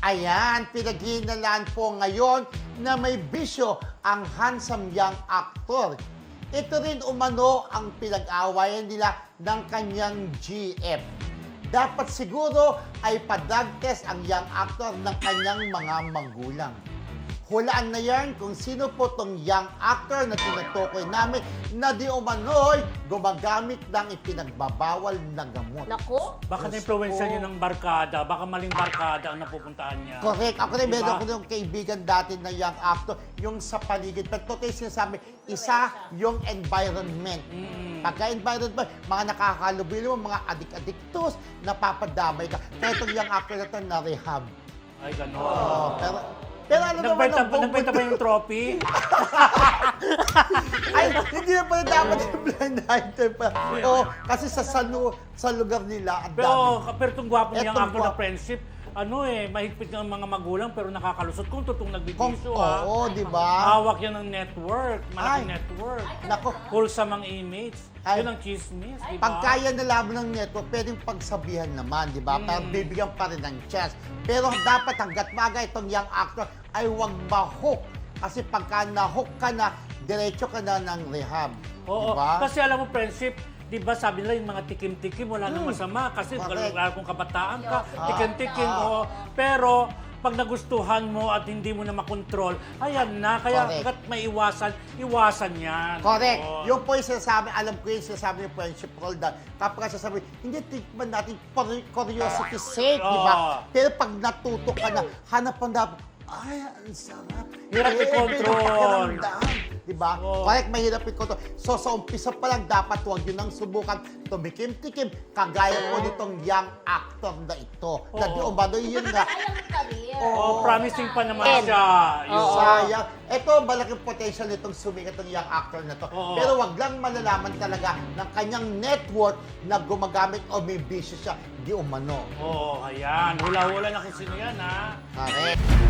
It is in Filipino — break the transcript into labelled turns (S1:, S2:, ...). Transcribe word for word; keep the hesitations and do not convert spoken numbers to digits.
S1: Ayan, pinaghihinalaan po ngayon na may bisyo ang handsome young actor. Ito rin umano ang pinag-awayan nila ng kanyang G F. Dapat siguro ay pa-drug test ang young actor ng kanyang mga magulang. Hulaan na yan kung sino po tong young actor na tinutukoy namin na di umano'y gumagamit ng ipinagbabawal na gamot.
S2: Naku?
S3: Baka
S1: Diyos
S3: na-influensya
S1: ko.
S3: niya ng barkada, baka maling barkada ang napupuntahan niya.
S1: Correct. Ako rin,
S3: Diba?
S1: meron ko yung kaibigan dati na young actor, yung sa paligid. Pero totoo yung sinasabi, isa yung environment.
S3: Mm.
S1: Pagka-environment, mga nakakalubilo, mga adik-adiktos, napapadamay ka. Kaya itong young actor na ito, na-rehab.
S3: Ay, gano'n.
S1: Oh, pero, pero ano naman
S3: Nagbenta,
S1: ang buong
S3: nagbenta ba yung trophy?
S1: Ay, hindi na pala dapat yung blind item pa. Oo, kasi sa, sa, lu- sa lugar nila, ang
S3: Pero,
S1: dami.
S3: pero itong gwapo niyang
S1: Etong
S3: actor na
S1: gwapo.
S3: friendship, ano eh, mahigpit ng mga magulang pero nakakalusot kung totoong
S1: Kung,
S3: nagbibisyo ha.
S1: oo, di ba?
S3: Hawak yan ng network, malaking
S1: Ay.
S3: network.
S1: Nako,
S3: Wholesome ang image.
S1: Ay.
S3: Yun ang chismis, di ba?
S1: pag kaya nalaman ng network, pwedeng pagsabihan naman, di ba?
S3: Mm.
S1: Pero bibigyan pa rin ng chance. Pero dapat hanggat maga itong young actor ay huwag ma-hook. Kasi pagka na-hook ka na, diretso ka na ng rehab.
S3: Oo,
S1: di ba?
S3: kasi alam mo, friendship, di ba sabi nila yung mga tikim-tikim, wala nang
S1: Hmm.
S3: masama. Kasi
S1: Correct.
S3: lalo kung kabataan ka,
S1: Ah.
S3: tikim-tikim.
S1: Ah.
S3: oo. Pero, pag nagustuhan mo at hindi mo na makontrol, ayan na. Kaya
S1: Correct.
S3: hanggat may iwasan, iwasan yan.
S1: Correct.
S3: Oo.
S1: Yung po yung sinasabi, alam ko yung sinasabi yung friendship roll na kapag sasabi, hindi tikman natin for curiosity sake, di ba?
S3: Oo.
S1: Pero pag natuto ka na, hanap ang dapat, ay, ang sarap.
S3: Hirap
S1: Eh,
S3: i-control.
S1: may pakiramdam. Di ba?
S3: Oo.
S1: Correct, mahirap i-control. So, sa umpisa pa lang, dapat huwag yun ang subukan. Tumikim-tikim, kagaya po nitong young actor na ito. Na di
S3: Oo.
S1: umano yun nga.
S2: Sayang ang career.
S1: Oo.
S3: Oh, promising pa naman
S2: And-
S3: siya. Yun.
S2: Oo.
S1: Sayang. Ito, malaking potential nitong sumikat ng young actor na to.
S3: Oo.
S1: Pero wag lang malalaman talaga ng kanyang network na gumagamit o may bisyo siya. Di umano.
S3: Oo, ayan. Hula-hula na kung sino yan, ha?
S1: Correct.